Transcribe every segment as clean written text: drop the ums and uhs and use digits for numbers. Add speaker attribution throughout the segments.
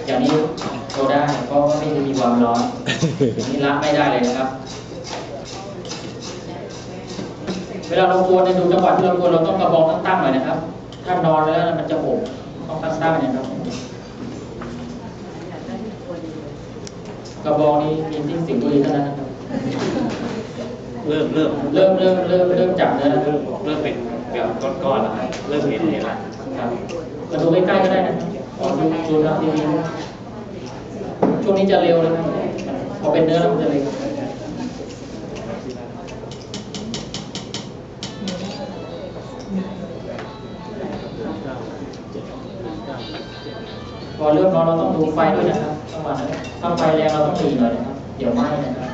Speaker 1: อย่างนี้โชว์ได้เพราะไม่มีความร้อนอย่างนี้ละไม่ได้เลยนะครับเวลาเรากวนในดูจังหวะที่เรากวนเราต้องกระบองตั้งๆหน่อยนะครับ ถ้านอนแล้วมันจะโหกต้องตั้งๆนะครับกระบองนี้มีที่สิงห์บุรีเท่านั้นนะครับ
Speaker 2: เริ่ม
Speaker 1: จับเนื้อแล้ว
Speaker 2: เริ่มเป็นก้อนๆแล้วครับเริ่มเห็นแล้ว
Speaker 1: ครับมาดูใกล้ๆก็ได้นะดูทางทีวีช่วงนี้จะเร็วนะครับพอเป็นเนื้อแล้วมันจะเร็วพอเริ่มร้อนเราต้องดูไฟด้วยนะครับประมาณนั้นถ้าไฟแรงเราต้องหลีหน่อยนะครับเดี๋ยวไหม้นะครับ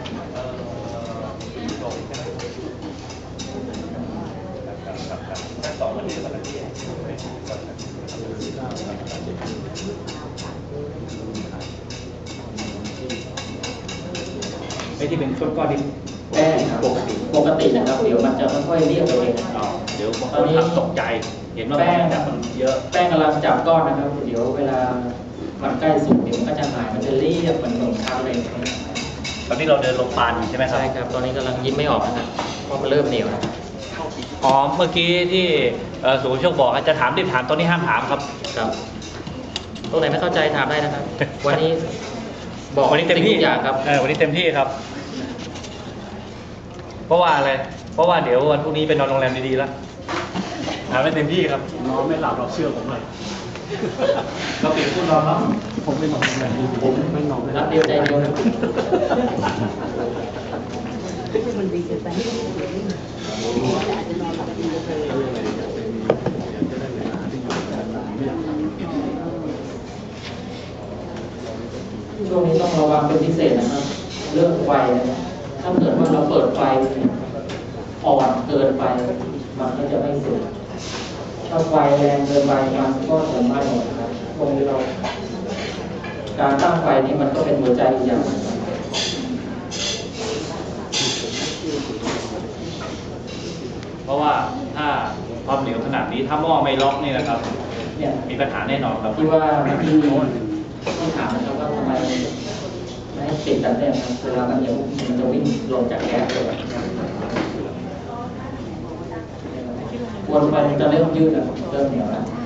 Speaker 2: ไอ้ที่เป็นก้อนๆที่
Speaker 1: แป้งปกตินะครับเดี๋ยวมันจะค่อยๆเรียบไปเอง
Speaker 2: เดี๋ยวตอนนี้ตกใจเห็นว่า
Speaker 1: แป้ง
Speaker 2: จับมันเยอะ
Speaker 1: แป้งกำลังจับก้อนนะครับเดี๋ยวเวลามันใกล้สุกเดี๋ยวมันก็จะหายมันจะเรียบเหมือนขนมชั้นเลย
Speaker 2: ตอนนี้เราเดินลงปานอยู่ใช่ไหมครับ
Speaker 1: ใช่ครับตอนนี้กำลังยิ้มไม่ออกนะครับเพราะมันเริ่มเหนียวแล้ว
Speaker 2: อ๋อเมื่อกี้ที่สุภโชคบอกจะถามรีบถามตอนนี้ห้ามถามครับ
Speaker 1: ครับตรงไหนไม่เข้าใจถามได้นะครับวันนี้บอก
Speaker 2: วันนี้เต็มที่
Speaker 1: อย่างครับ
Speaker 2: วันนี้เต็มที่ครับเพราะว่าอะไรเพราะว่าเดี๋ยววันพรุ่งนี้ไปนอนโรงแรมดีๆแล้วถามได้เต็มที่ครับ
Speaker 3: นอนไม่หลับเราเชื่อผมเลย
Speaker 2: เราเปลี่ยนผู้นอนแล้ว
Speaker 3: ผมไม่นอนแบบนี้ผมไม่นอน
Speaker 1: รักเดียวใจเดียวนะ
Speaker 4: มันดีเกินไปอาจจะนอนหลับดีเลย
Speaker 1: ช่วงนี้ต้องระวังเป็นพิเศษนะครับเรื่องไฟนะครับถ้าเกิดว่าเราเปิดไฟอ่อนเกินไปมันก็จะไม่สุกถ้าไฟแรงเกินไปมันก็จะไหม้หมดนะครับตรงนี้เราการตั้งไฟนี้มันก็เป็นหัวใจอีกอย่าง
Speaker 2: เพราะว่าถ้าความเหนียวขนาดนี้ถ้าหม้อไม่ล็อกนี่นะครับ
Speaker 1: เนี่ย
Speaker 2: มีปัญหาแน่นอนครับ
Speaker 1: ที่ว่าที่ถามนะครับว่าทำไมไม่ให้ติดกันเนี่ยครับเวลามันเหนียวมันจะวิ่งลงจากแก๊สเลยวนไปมันจะเริ่มยืดแล้วเริ่มเหนียวแล้ว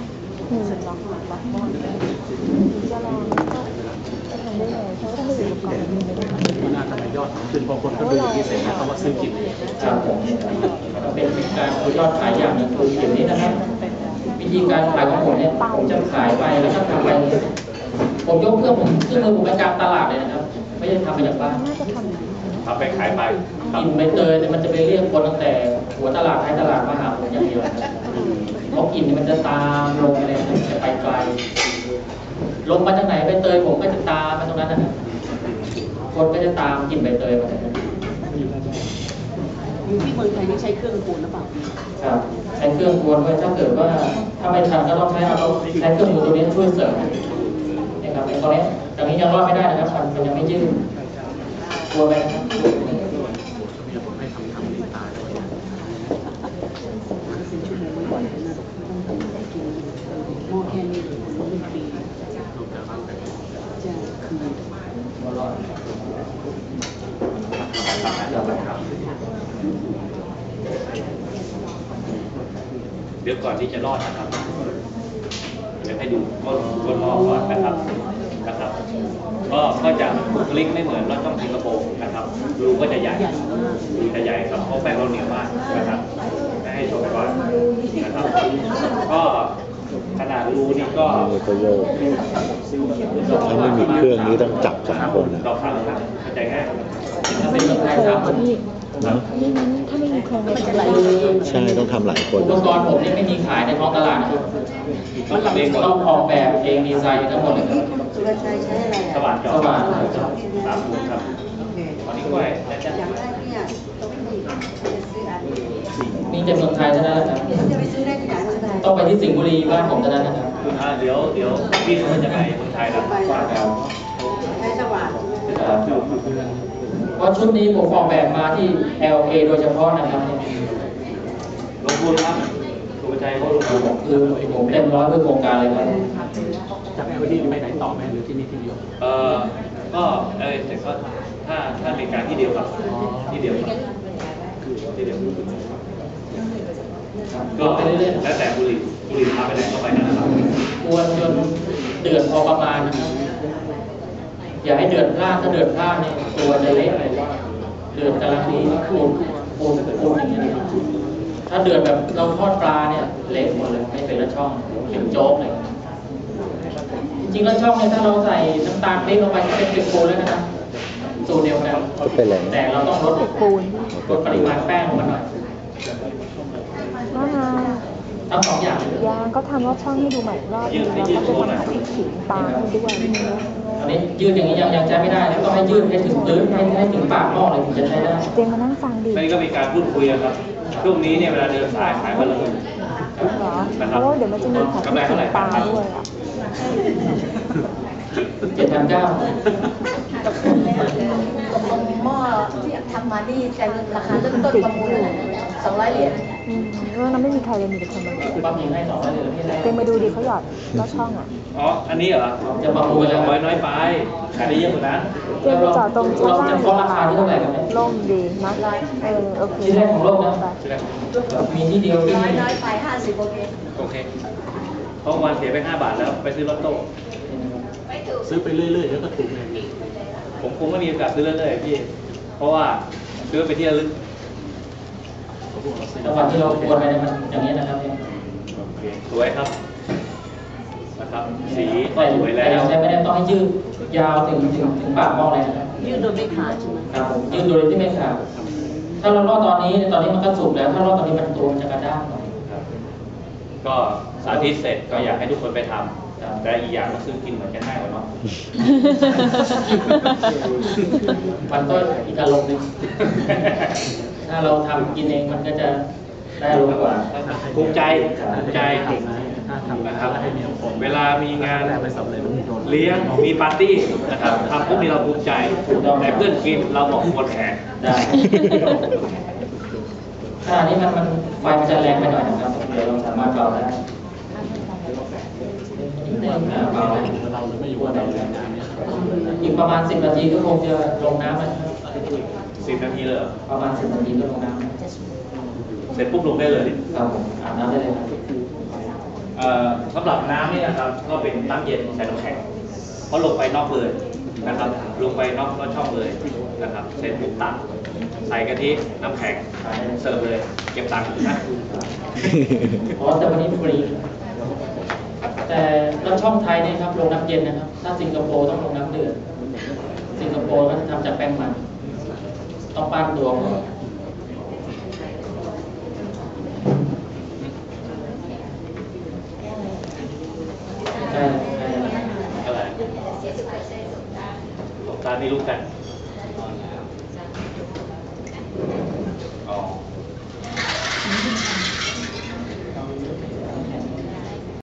Speaker 3: มันน่าจะไม่ยอดขึ้นพอคนเขาดูอย่างนี้เสร็จแล้วเขามาซื้อกิน
Speaker 1: ครับผมเป็นการยอดขายอย่างหนึ่งคืออย่างนี้นะครับวิธีการขายของผมเนี่ยผมจะขายไปแล้วก็ทำไปผมยกเครื่องมือผมไปกลางตลาดเลยนะครับไม่ได้ทำมาจากบ้าน
Speaker 2: ทำไปขายไป
Speaker 1: กินใบเตยเนี่ยมันจะไปเรียกคนตั้งแต่หัวตลาดท้ายตลาดมาหาผมอย่างเดียวเพราะกินมันจะตามลงอะไรจะไปไกลลงมาจากไหนใบเตยผมก็จะตามมาตรงนั้นนะครับคนก็จะตามกินใบเตยมา
Speaker 4: อยู่ที่เมืองไทยนี่ใช้เครื่องกวนหรือเปล่า
Speaker 1: ครับใช้เครื่องกวนไว้ถ้าเกิดว่าถ้าไม่ทันก็ต้องใช้เครื่องมือตัวนี้ช่วยเสริมนี่ครับตอนนี้ตรงนี้ยังรอดไม่ได้นะครับมันยังไม่ยืดกลัวไหมครับ
Speaker 4: หม้อแค่นี้เป็นปีจะคืน
Speaker 2: เดี๋ยวก่อนที่จะรอดนะครับเดี๋ยวให้ดูก้นหม้อก่อนนะครับก็จะบุคลิกไม่เหมือนรถช่องสิงคโปร์นะครับรูก็จะใหญ่ครับเพราะแป้งเราเหนียวมากนะครับให้ชมก่อนนะครับก็ขนาดรูนี่ก็
Speaker 5: ถ้าไม่มีเครื่องนี้ต้องจับ2 คน
Speaker 2: ต่อครั้งครับเข้าใจง่าย
Speaker 1: ถ้าเป็นคนไทย3 คน
Speaker 4: ถ้าไม่มีโครงมันจะไหล
Speaker 5: ใช่ต้องทำหลายคน
Speaker 1: อุปกรณ์ผมนี่ไม่มีขายในท้องตลาดนะครับต้องออกแบบเองดีไซน์ทั้งหมดเลยครับ
Speaker 4: สุรชัยใช้อะไร
Speaker 2: สว่าน
Speaker 1: สว่าน
Speaker 2: 3 คูณครับวันนี้กล้วย
Speaker 4: อย่างแรกเนี่ยต้องมีจะซื้ออัน
Speaker 1: มีแต่เมืองไทยเท่านั้นครับ
Speaker 4: จะไปซื้อได้ที่ไหน
Speaker 1: ต้องไปที่สิงห์บุรีบ้านผมเท่านั้นนะครับ
Speaker 2: เดี๋ยวพี่เขาจะไปเมืองไทยแล้ว
Speaker 4: ใช้สว่าน
Speaker 1: เพราะชุดนี้ผมออกแบบมาที่ LA โดยเฉพาะนะครับ
Speaker 2: ลงทุนครับสุภชัยเขาลงทุน
Speaker 1: คือผมเต็มร้อยเพื่อโครงการเลยครับ
Speaker 3: ที่ไปไหนต่อไหมหรือที่นี่ที่เดียว
Speaker 2: ก็แต่ก็ถ้าเป็นการที่เดียวครับที่เดียวครับที่เดียวก็แล้วแต่บุรีพาไปไหนก็ไปนั่นนะครับ
Speaker 1: กวนจนเดือดพอประมาณนะครับอย่าให้เดือดพลาดถ้าเดือดพลาดเนี่ยตัวจะเละเลยเดือดกำลังดีปูนอย่างเงี้ยถ้าเดือดแบบเราทอดปลาเนี่ยเละหมดเลยไม่เป็นละช่องเป็นโจ๊กเลยจริงๆแล้วช่องเนี่ยถ้าเราใส่น้ำตาลปี๊บลงไปก็เป็นเป็ดปูนแล้วนะครับสูตรเดียวกัน
Speaker 5: ก็เป็นอะไร
Speaker 1: แต่เราต้องลดปริมาณแป้งลงมาหน่อย
Speaker 6: ว่าไง
Speaker 1: ทั้งสองอย่างเลย
Speaker 6: ยางก็ทำรอบช่องให้ดูใหม่อีกรอบนึงแล้วก็จะทำพริกขิงปลาให้ด้วย
Speaker 1: อันนี้ยืดอย่างนี้ยังใช้ไม่ได้แล้วก็ให้ยืดให้ถึงพื้นให้ถึงปากหม้อเลยถึงจะใช้ได้
Speaker 6: เจมมานั่งฟังดิ
Speaker 2: นี่ก็มีการพูดคุยกันครับช่วงนี้เนี่ยเวลาเดินสายขายวันละหมื่น
Speaker 6: เหรอเพราะว่าเดี๋ยวมันจะมีผัดพริกขิงปลาด้วยอ่ะ
Speaker 1: 7,900
Speaker 7: หม้อที่ทำมานี่แต่ราคาเริ่มต้นประมูลอะไร200 เหรียญ
Speaker 6: เรื่องนั้นไม่มีใครเลยมีแต่คนมาดู
Speaker 1: ปั๊มยิงให้200เลยพี่ได้
Speaker 6: เจมมาดูดิเขาหยอดลอดช่องอ่ะ
Speaker 2: อ๋ออันนี้เหรอ
Speaker 1: จะประมูลแล้ว
Speaker 2: น้อยไปขายได้เยอะกว่านั้น
Speaker 6: เจมไปจอดตรงช่อง
Speaker 1: เรา
Speaker 6: ล่าง
Speaker 1: จะฟ้องราคาที่เท่าไหร่กันไหม
Speaker 6: ล่มดีนะโอเค
Speaker 1: ที่แรกของโลกนะมีที่เดียวที่
Speaker 7: น้อยไป50 โอเค
Speaker 2: โอเคเพราะวันเสียไป5 บาทแล้วไปซื้อลอตโต้
Speaker 3: ซื้อไปเรื่อยๆแล้วก็ถูกเอง
Speaker 2: ผมคงไม่มีโอกาสซื้อเรื่อยๆพี่เพราะว่าซื้อไปที่ระลึก
Speaker 1: จังหวัดที่เราควรไปเนี่ยมันอย่างนี้นะครับ
Speaker 2: โอเคสวยครับนะครับสีก็
Speaker 1: แต่
Speaker 2: สวยแล้ว
Speaker 1: ใช้ไม่ได้ต้องให้ยืดยาวถึงปากหม้อเลยนะครับ
Speaker 7: ยืดโดยไม่ขาดใช่ไหม
Speaker 1: ครับผมยืดโดยที่ไม่ขาดถ้าเราลอดตอนนี้มันก็สุกแล้วถ้าลอดตอนนี้มันตัวมันจะกระด้างหน่อย
Speaker 2: ครับก็สาธิตเสร็จก็อยากให้ทุกคนไปทำแต่อีกอย่างก็คือกินเหมือนกันง่ายกว่าเนาะ
Speaker 1: มันก็อีกอารมณ์หนึงถ้าเราทำกินเองมันก็จะได้อารมณ์กว่า
Speaker 2: ภูมิใจ
Speaker 3: ถ้าทำ
Speaker 2: นะครับ
Speaker 3: ให้มีผล
Speaker 2: เวลามีงาน
Speaker 3: แรกไปสำเร็จ
Speaker 2: เลี้ยงมีปาร์ตี้นะครับทำพวกนี้เราภูมิใจแต่เพื่อนกินเราบอกควรแขก
Speaker 1: ได้ขณะนี้มันไฟมันจะแรงไปหน่อยนะครับเดี๋ยวเราสามารถเบาได้นิดนึงเบา
Speaker 3: เราหรือไม่อยู่ว่าเราเรียนงานเนี่ย
Speaker 1: อีกประมาณ10 นาทีก็คงจะลงน้ำนะครับ
Speaker 2: 10 นาทีเลยเหรอ
Speaker 1: ประมาณ10 นาทีก็ลงน้ำ
Speaker 2: เสร็จปุ๊บลงได้เลย
Speaker 1: ครับผมอาบน้ำได้เลยครับ
Speaker 2: สำหรับน้ำนี่นะครับก็เป็นน้ำเย็นใส่น้ำแข็งเพราะลงไปนอกเลยนะครับลงไปนอกช่องเลยนะครับเสร็จปุ๊บตักใส่กะทิน้ำแข็งเสิร์ฟเลยเก็บตังค์นะ
Speaker 1: อ๋อแต่วันนี้ฟรี แต่แล้วช่องไทยเนี่ยครับลงน้ำเย็นนะครับ ถ้าสิงคโปร์ต้องลงน้ำเดือด สิงคโปร์ก็ทำจากแป้งมันต้องปั้นตัวก่อนใช่
Speaker 2: อะไรสงการนี่รู้กัน